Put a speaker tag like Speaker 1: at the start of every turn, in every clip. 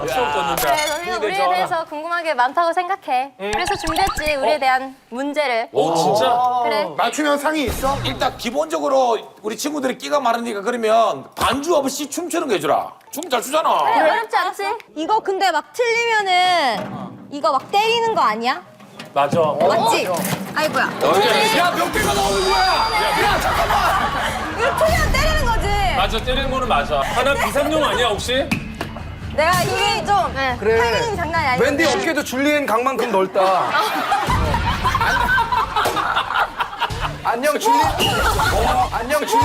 Speaker 1: 처음 걷는다.
Speaker 2: 그래, 너네가 우리에 대해서 궁금한 게 많다고 생각해. 그래서 준비했지, 우리에 대한 문제를.
Speaker 1: 오, 진짜?
Speaker 2: 그래.
Speaker 3: 맞추면 상이 있어?
Speaker 4: 일단 기본적으로 우리 친구들이 끼가 많으니까 그러면 반주 없이 춤추는 거 해주라. 춤 잘 추잖아.
Speaker 2: 그래, 어렵지 않지?
Speaker 5: 이거 근데 막 틀리면은 이거 막 때리는 거 아니야?
Speaker 1: 맞아.
Speaker 5: 맞지? 아이고야.
Speaker 4: 야, 몇 개가 나오는 거야? 야, 잠깐만.
Speaker 5: 이거 틀리면 때리는 거지.
Speaker 1: 맞아, 때리는 거는 맞아. 하나 비상용 아니야, 혹시?
Speaker 5: 내가 힘이 좀
Speaker 3: 그래.
Speaker 5: 타이밍 장난이 아니야.
Speaker 3: wendy 어깨도 줄리엔 강만큼 넓다. 안녕 줄리. 안녕 줄리.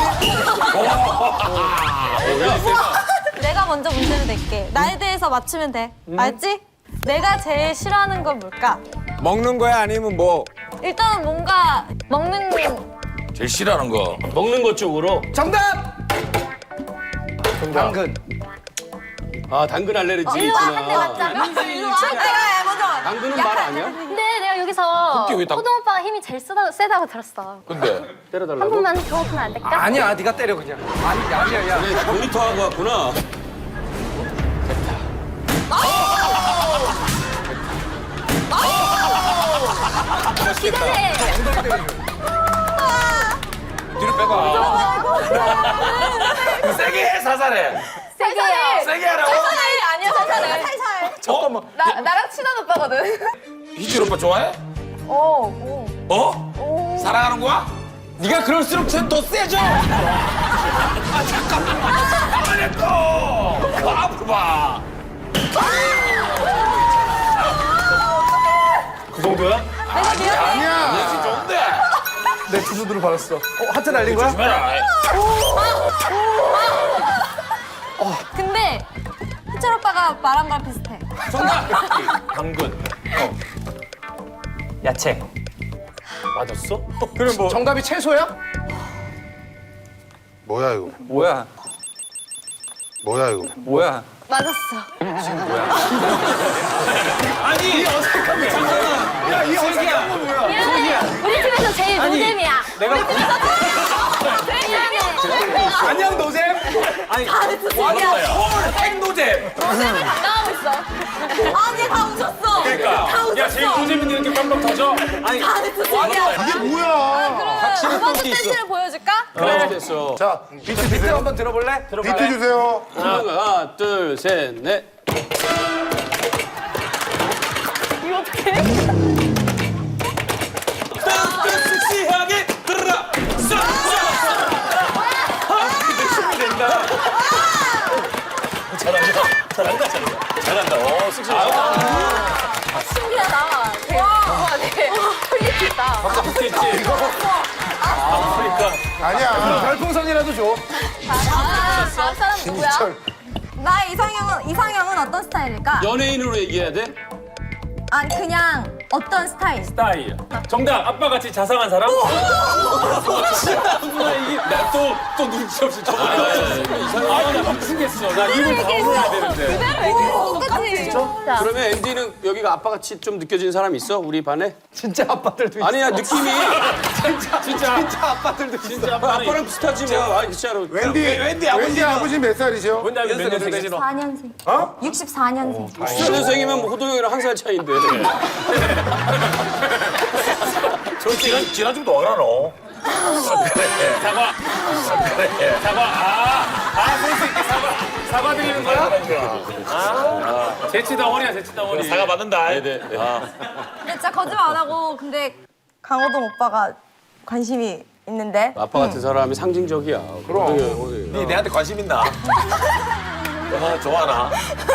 Speaker 5: 내가 먼저 문제를 낼게. 나에 대해서 맞추면 돼. 알지? 내가 제일 싫어하는 건 뭘까?
Speaker 6: 먹는 거야 아니면 뭐?
Speaker 5: 일단은 뭔가 먹는
Speaker 4: 제일 싫어하는 거.
Speaker 1: 먹는 것 쪽으로.
Speaker 3: 정답. 당근.
Speaker 7: 아, 당근 알레르기
Speaker 2: 일로 와, 한 대
Speaker 7: 있구나.
Speaker 2: 맞자.
Speaker 5: 일로 와. 내가 먼저.
Speaker 7: 당근은 말 아니야?
Speaker 2: 근데 내가 여기서
Speaker 4: 그게 왜 딱-
Speaker 2: 호동 오빠가 힘이 제일 세다고 들었어.
Speaker 4: 근데
Speaker 2: 한
Speaker 7: 때려달라고?
Speaker 2: 번만 경험하면 안 될까?
Speaker 3: 아니야, 네가 때려 그냥. 아니야, 야.
Speaker 7: 그래, 모니터 하고 왔구나.
Speaker 2: 기대돼.
Speaker 4: 뒤로 빼봐. 세게 해, 사살해.
Speaker 2: 세게요.
Speaker 4: 세게 하라고.
Speaker 2: 아니야, 살살해.
Speaker 5: 살살.
Speaker 4: 잠깐만.
Speaker 2: 나랑 친한 오빠거든.
Speaker 4: 희준 오빠 좋아해?
Speaker 2: 오.
Speaker 4: 어? 사랑하는 거야? 네가 그럴수록 쟤더 세져. 아, 잠깐만. 가만히 또. 그 앞으로 봐.
Speaker 1: 그 정도야?
Speaker 3: 아니야.
Speaker 4: 역시 좋은데.
Speaker 3: 내 주소대로 받았어. 하트 날린 거야?
Speaker 4: 조심해라.
Speaker 5: 근데 희철 오빠가 말한 거랑 비슷해.
Speaker 4: 정답.
Speaker 1: 당근. 야채. 맞았어?
Speaker 3: 그럼 뭐? 정답이 채소야?
Speaker 8: 뭐야 이거?
Speaker 3: 뭐야?
Speaker 8: 뭐야 이거?
Speaker 3: 뭐야?
Speaker 5: 맞았어.
Speaker 4: 아니.
Speaker 3: 야, 이 어색한 거 뭐야?
Speaker 2: 미안해. 우리 팀에서 제일 노잼이야.
Speaker 3: 내가
Speaker 2: 미안해.
Speaker 3: 안녕 노잼.
Speaker 4: 헐, 핵노잼.
Speaker 2: 노잼을 담당하고 있어.
Speaker 5: 아니 다 웃었어.
Speaker 1: 그러니까.
Speaker 5: 다 웃었어.
Speaker 1: 야, 제일 노잼인데 이렇게 깜빡 터져?
Speaker 5: 다 웃었어.
Speaker 8: 이게 뭐야?
Speaker 5: 그러면 두 번째 댄스를 보여줄까?
Speaker 7: 그래, 됐어.
Speaker 3: 자, 비트 한번 들어볼래?
Speaker 8: 비트 주세요.
Speaker 7: 하나, 둘, 셋, 넷.
Speaker 4: 섹시하게 들어라.
Speaker 1: 잘한다. 어, 쑥스러워.
Speaker 2: 신기하다. 와, 되게 퀄리티 있다.
Speaker 1: 붙겠지. 아프리카.
Speaker 8: 아니야.
Speaker 3: 별풍선이라도 줘.
Speaker 2: 다음 사람 누구야?
Speaker 5: 나 이상형은 어떤 스타일일까?
Speaker 7: 연예인으로 얘기해야 돼?
Speaker 5: 아니 그냥 어떤 스타일?
Speaker 1: 스타일. 정답. 아빠같이 자상한 사람? 나또 눈치 없이 저번에. 나 미치겠어. 나 입을 다물어야 되는데.
Speaker 5: 똑같이.
Speaker 7: 그러면 앤디는 여기가 아빠같이 좀 느껴지는 사람 있어? 우리 반에?
Speaker 3: 진짜 아빠들도 있어.
Speaker 7: 아니야, 느낌이.
Speaker 1: 진짜.
Speaker 3: 아빠들도 있어.
Speaker 1: 진짜 아빠는
Speaker 7: 아빠랑 비슷하지 뭐. 아니, 진짜로.
Speaker 8: 웬디 아버지 몇 살이죠?
Speaker 1: 뭔데 몇 년생이지?
Speaker 5: 64년생.
Speaker 8: 어?
Speaker 5: 64년생.
Speaker 7: 64년생이면 뭐 호동 형이랑 한 살 차이인데.
Speaker 4: 저 지난 좀더 알아 너.
Speaker 1: 사과. 그래. 사과. 볼 수 있게 사과 드리는 거야? 재치 덩어리야, 재치 덩어리.
Speaker 4: 사과 받는다.
Speaker 7: 네네.
Speaker 5: 근데 진짜 거짓말 안 하고 근데 강호동 오빠가 관심이 있는데.
Speaker 7: 아빠 같은 사람이 상징적이야. 그럼.
Speaker 4: 니 내한테 관심 있나? 좋아하나?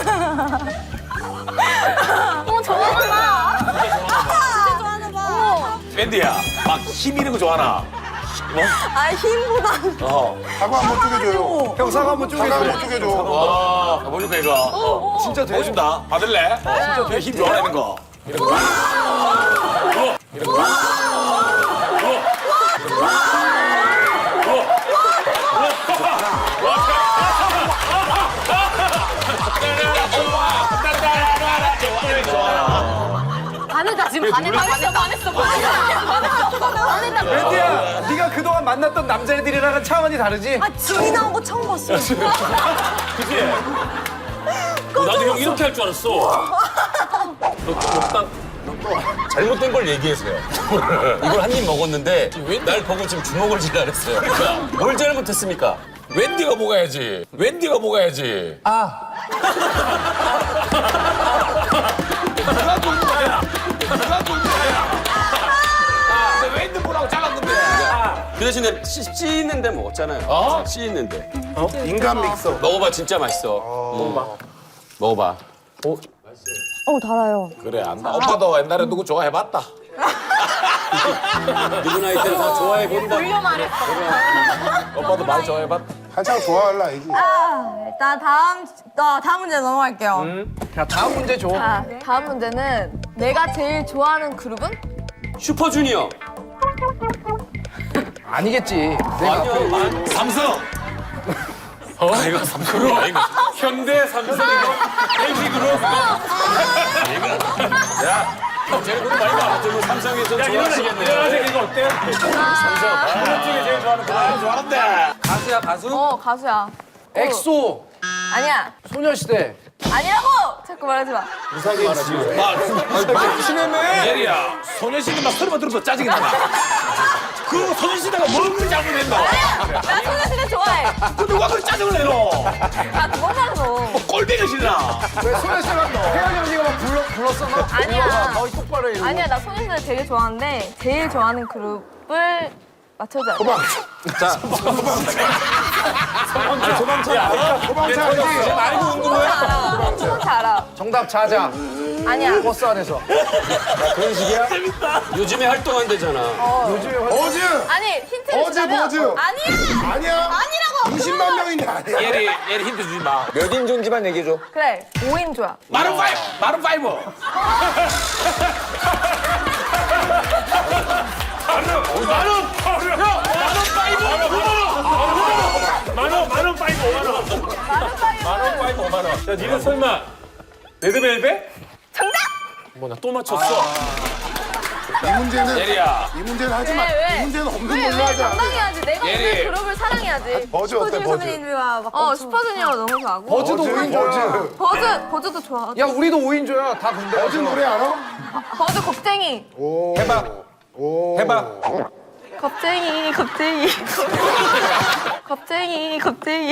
Speaker 2: 좋아하구나.
Speaker 5: 진짜 좋아하나 봐.
Speaker 4: 밴드야, 막 힘 있는 거 좋아하나?
Speaker 5: 아 힘보다.
Speaker 8: 사과 한번 쪼개줘요.
Speaker 3: 형 사과 한번
Speaker 8: 사과
Speaker 3: 쪼개줘.
Speaker 8: 한번 쪼개줘.
Speaker 4: 보여줄까 이거?
Speaker 3: 진짜 돼?
Speaker 4: 보여준다. 받을래? 진짜 힘 좋아하는 거.
Speaker 2: 반했다, 지금 반했어.
Speaker 3: 웬디야, 네가 그동안 만났던 남자애들이랑은 차원이 다르지?
Speaker 5: 아 지이 나온 거 처음 봤어.
Speaker 1: 그치? 나도 형 이렇게 할 줄 알았어.
Speaker 4: 잘못된 걸 얘기해서요. 이걸 한 입 먹었는데 날 보고 지금 주먹을 쥐라 그랬어요. 뭘 잘못했습니까? 웬디가 먹어야지. 웬디가 먹어야지. 누가 돈 거야? 누가 돈 거야? 근데 웬디 뭐라고 잘랐는데?
Speaker 7: 그 대신에 씻는데 먹었잖아요. 씻는데.
Speaker 8: 인간 믹서.
Speaker 7: 먹어봐, 진짜 맛있어. 먹어봐.
Speaker 5: 달아요.
Speaker 4: 그래 안다. 오빠도 옛날에 누구 좋아해봤다.
Speaker 7: 누구 나이 때는 다 좋아해본다.
Speaker 2: 돌려 말했어.
Speaker 4: 오빠도 많이 좋아해봤다.
Speaker 8: 한창 좋아할 나이지.
Speaker 5: 일단 다음 문제 넘어갈게요.
Speaker 3: 자, 다음 문제 줘.
Speaker 5: 자, 다음 문제는 내가 제일 좋아하는 그룹은?
Speaker 7: 슈퍼주니어.
Speaker 3: 아니겠지. 내가
Speaker 4: 삼성. 이거 삼성 아닌가?
Speaker 1: 현대 삼성이고 LG 그룹.
Speaker 7: 쟤는 그룹 많이 봐. 저 삼성에서 좋아하시겠네.
Speaker 1: 이거 어때? 삼성. 그룹 중에 제일 좋아하는 거.
Speaker 4: 좋아한다.
Speaker 3: 가수야, 가수?
Speaker 5: 가수야.
Speaker 3: 엑소,
Speaker 5: 아니야.
Speaker 3: 소녀시대.
Speaker 5: 아니라고! 자꾸 말하지 마.
Speaker 4: 예리야. 소녀시대 막 소리만 들어서 짜증이 나. 그 소녀시대가 뭘 그리 잘못했나?
Speaker 5: 나 소녀시대 좋아해.
Speaker 4: 그 누가 그리 짜증을 내노?
Speaker 5: 아, 그건 말고.
Speaker 4: 꼴배기 싫나?
Speaker 3: 왜 소녀시대가 혜연이 언니가 막 불렀어? 막
Speaker 5: 아니야.
Speaker 3: 거의 똑바로 해.
Speaker 5: 아니야, 나 소녀시대 되게 좋아하는데 제일 좋아하는 그룹을 맞춰줘야 돼.
Speaker 8: 도망쳐 알지?
Speaker 4: 알고 온 거야?
Speaker 5: 알아. 소녀시 알아.
Speaker 3: 정답 자자.
Speaker 5: 아니야.
Speaker 3: 버스 안에서.
Speaker 7: 요즘에 활동한대잖아.
Speaker 8: 어즈.
Speaker 5: 아니, 힌트를
Speaker 8: 어제
Speaker 5: 주자면
Speaker 8: 뭐지?
Speaker 5: 아니야.
Speaker 8: 아니야?
Speaker 5: 아니라고.
Speaker 8: 20만 명인데 아니야.
Speaker 4: 예리 힌트 주지 마.
Speaker 6: 몇 인조인지만 얘기해줘.
Speaker 5: 그래, 5인조야.
Speaker 4: 마룬 파이브. 마룬 파이브.
Speaker 1: 만원 파이브 5만 원. 야, 니는 설마 레드벨벳?
Speaker 5: 정답!
Speaker 1: 뭐 나 또 맞췄어.
Speaker 8: 이 문제는
Speaker 4: 예리야.
Speaker 8: 이 문제는 하지 마.
Speaker 5: 왜?
Speaker 8: 이 문제는 없는
Speaker 5: 왜,
Speaker 8: 걸로
Speaker 5: 왜?
Speaker 8: 하자.
Speaker 5: 당당해야지. 내가
Speaker 4: 예리.
Speaker 5: 오늘 그룹을 사랑해야지.
Speaker 8: 버즈 어때, 버즈?
Speaker 5: 선배님들과 막 슈퍼주니어 너무 좋아하고.
Speaker 3: 버즈도
Speaker 8: 버즈,
Speaker 3: 5인조야.
Speaker 5: 버즈도 좋아.
Speaker 3: 야, 우리도 5인조야. 다 군대.
Speaker 8: 버즈 노래 알아?
Speaker 5: 버즈 겁쟁이.
Speaker 8: 오.
Speaker 6: 해봐.
Speaker 8: 오.
Speaker 6: 해봐.
Speaker 5: 겁쟁이. 겁쟁이.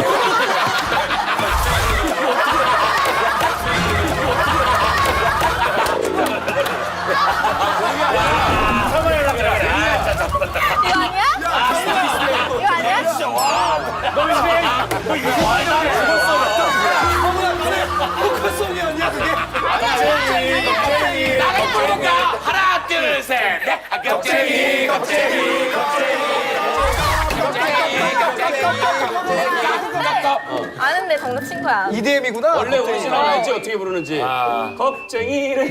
Speaker 5: 이거 아니야? 이거 아니야?
Speaker 4: 나를 부른다. 하나 둘 셋. 넷. 겁쟁이.
Speaker 5: 아는데 정답 친 거야.
Speaker 3: EDM이구나.
Speaker 7: 원래 오리지널 알지? 어떻게 부르는지. 겁쟁이래.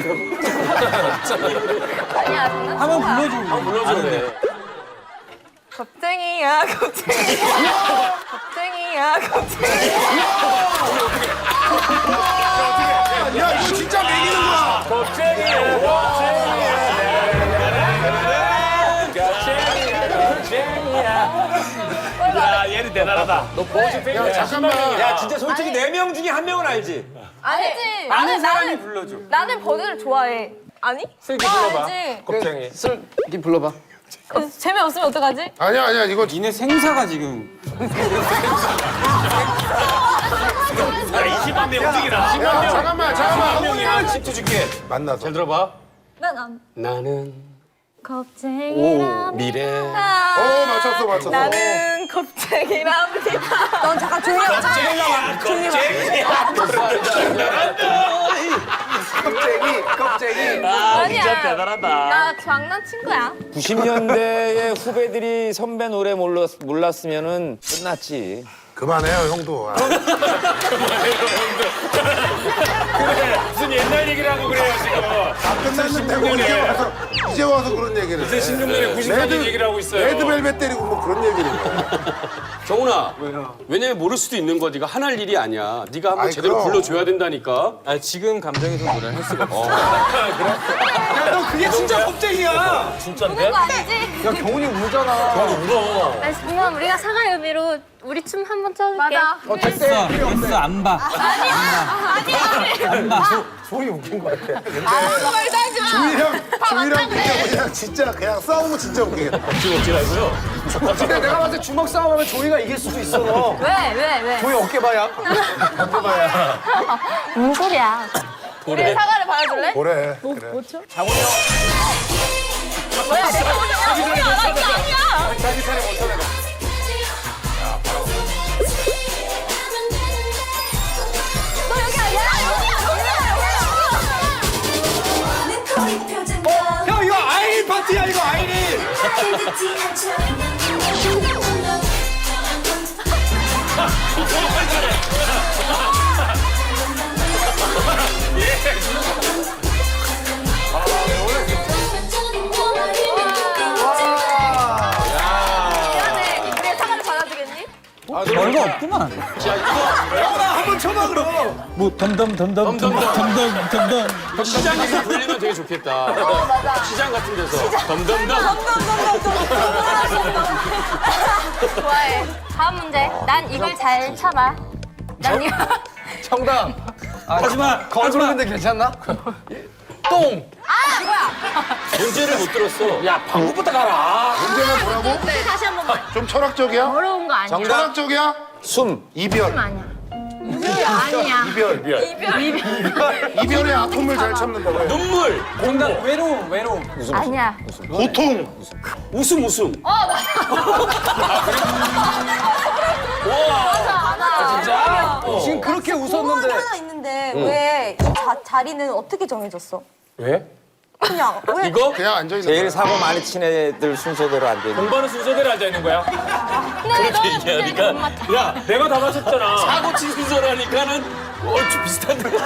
Speaker 5: 아니야, 정답 한번 불러줘.
Speaker 7: 한번 불러줘. 그래.
Speaker 5: 겁쟁이야.
Speaker 8: 야 이거 진짜 매기는 거야.
Speaker 4: 야 예리 대단하다.
Speaker 8: 야 잠깐만.
Speaker 6: 야, 진짜 솔직히 4명 중에 1명은 알지?
Speaker 5: 아니지.
Speaker 1: 아는 사람이 불러줘.
Speaker 5: 나는 버즈를 좋아해. 아니?
Speaker 1: 슬기 불러봐.
Speaker 5: 알지.
Speaker 1: 겁쟁이.
Speaker 3: 슬기 불러봐.
Speaker 5: 재미없으면 어떡하지?
Speaker 8: 아니야 이거
Speaker 1: 니네 생사가 지금.
Speaker 4: 20만 명 움직이라.
Speaker 8: 야 잠깐만.
Speaker 7: 한 10초 줄게.
Speaker 8: 만나서.
Speaker 7: 잘 들어봐.
Speaker 5: 난
Speaker 7: 나는
Speaker 5: 겁쟁이랍니다.
Speaker 7: 미래.
Speaker 8: 오 맞췄어.
Speaker 5: 나는 겁쟁이랍니다. 넌 잠깐 조용히 하자.
Speaker 3: 껍데기.
Speaker 5: 아니야.
Speaker 4: 진짜 대단하다.
Speaker 5: 나 장난친 거야.
Speaker 6: 90년대의 후배들이 선배 노래 몰랐으면은 끝났지.
Speaker 8: 그만해요 형도.
Speaker 1: 무슨 옛날 얘기를 하고 그래요, 지금.
Speaker 8: 끝났는데 이제 와서 그런 얘기를 해.
Speaker 1: 16년에 90년 얘기를 하고 있어요.
Speaker 8: 레드벨벳 때리고 뭐 그런 얘기를 해.
Speaker 7: 정훈아. 왜냐면 모를 수도 있는 거. 네가 하날 일이 아니야. 네가 한번
Speaker 8: 아이,
Speaker 7: 제대로
Speaker 8: 그럼.
Speaker 7: 불러줘야 된다니까.
Speaker 1: 아, 지금 감정에서 노래를 할 수가 없어.
Speaker 3: 너 그게 진짜 겁쟁이야.
Speaker 2: 우는 거 아니지?
Speaker 3: 야 경훈이 울잖아.
Speaker 2: 아니, 정말 우리가 사과의 의미로 우리 춤 한 번 춰줄게. 맞아.
Speaker 3: 됐어.
Speaker 9: 됐어 안 봐.
Speaker 8: 소리 웃긴 것 같아. 근데
Speaker 2: 말도 하지 마.
Speaker 8: 주희랑 그냥 진짜 그냥 싸우면 진짜 웃기겠다.
Speaker 3: 근데 내가 봤을 때 주먹 싸움하면 조이가 이길 수도 있어. 너.
Speaker 2: 왜?
Speaker 3: 조이 어깨봐야.
Speaker 2: 무슨 소리야? 우리 사과를 받아줄래?
Speaker 8: 그래. 그래.
Speaker 2: 뭐야, 내가 아니야.
Speaker 3: 자기 차례 못 쳐내가.
Speaker 2: 너 여기 아니야?
Speaker 3: 형 이거 아이린 파티야 이거 아이린.
Speaker 2: 미안해. 우리 사과를 받아주겠니?
Speaker 9: 별거 없구만.
Speaker 3: 형아 한번 쳐봐 그럼.
Speaker 9: 뭐 덤덤.
Speaker 7: 시장에서 불리면 되게 좋겠다.
Speaker 2: 맞아.
Speaker 7: 시장 같은 데서. 덤덤덤.
Speaker 2: 좋아해. 다음 문제. 난 이걸 잘 참아. 난 이거.
Speaker 3: 정답.
Speaker 9: 하지마.
Speaker 3: 거짓말인데 괜찮나? 똥.
Speaker 2: 아, 뭐야?
Speaker 7: 문제를 못 들었어.
Speaker 1: 야, 방구부터 가라.
Speaker 8: 문제가 뭐라고?
Speaker 2: 네, 다시 한 번만.
Speaker 8: 좀 철학적이야?
Speaker 2: 어려운 거 아니야.
Speaker 8: 철학적이야?
Speaker 6: 숨.
Speaker 8: 이별.
Speaker 2: 아니야. 아니야.
Speaker 8: 이별의 아픔을 잘 참는다고 해.
Speaker 7: 눈물.
Speaker 3: 정답 외로움.
Speaker 2: 아니야.
Speaker 8: 고통.
Speaker 7: 웃음.
Speaker 2: 맞아.
Speaker 3: 지금 그렇게 웃었는데.
Speaker 5: 하나 있는데 왜 이 자리는 어떻게 정해졌어?
Speaker 1: 왜?
Speaker 5: 그냥 왜?
Speaker 7: 이거?
Speaker 8: 그냥 앉아 있는
Speaker 6: 제일
Speaker 8: 거야.
Speaker 6: 사고 많이 친 애들 순서대로 안 되는.
Speaker 1: 공부하는 순서대로 앉아있는 거야?
Speaker 2: 근데 너는 문제를
Speaker 7: 얘기하니까.
Speaker 2: 못 맞춰.
Speaker 1: 야, 내가 다 맞췄잖아.
Speaker 7: 사고 친 순서라니까는 얼추 비슷한데.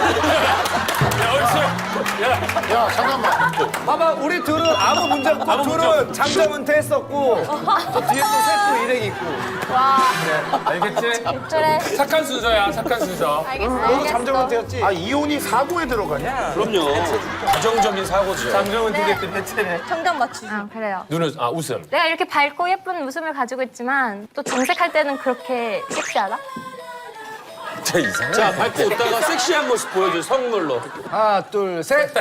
Speaker 8: 야 잠깐만.
Speaker 3: 봐봐 우리 둘은 아무 문제 없고 둘은 장점 은퇴했었고 저 뒤에 또 셋도 일행 있고.
Speaker 1: 알겠지?
Speaker 2: 그래.
Speaker 1: 착한 순서야, 착한 순서.
Speaker 3: 너도 잠정 은퇴였지?
Speaker 8: 아 이혼이 사고에 들어가냐?
Speaker 7: 그럼요. 가정적인 사고죠.
Speaker 1: 감정은 두개 끝냈지.
Speaker 5: 정답 맞추지.
Speaker 2: 아, 그래요.
Speaker 1: 눈은, 웃음.
Speaker 2: 내가 이렇게 밝고 예쁜 웃음을 가지고 있지만 또 정색할 때는 그렇게 섹시하다?
Speaker 6: 진짜 이상해.
Speaker 7: 자, 밟고 웃다가 섹시한 모습 보여줘, 선물로.
Speaker 3: 하나 둘 셋.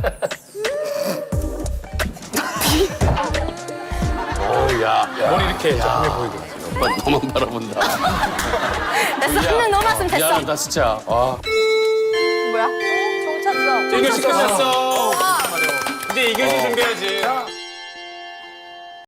Speaker 7: 야,
Speaker 1: 머리 이렇게 정해 보이고.
Speaker 7: 오빠 너만 바라본다.
Speaker 2: 됐어. 한명 넘었으면 됐어.
Speaker 7: 미안하다, 진짜. 아.
Speaker 2: 뭐야? 종 쳤어.
Speaker 1: 이교시 끝났어. 이제 이교시 준비해야지.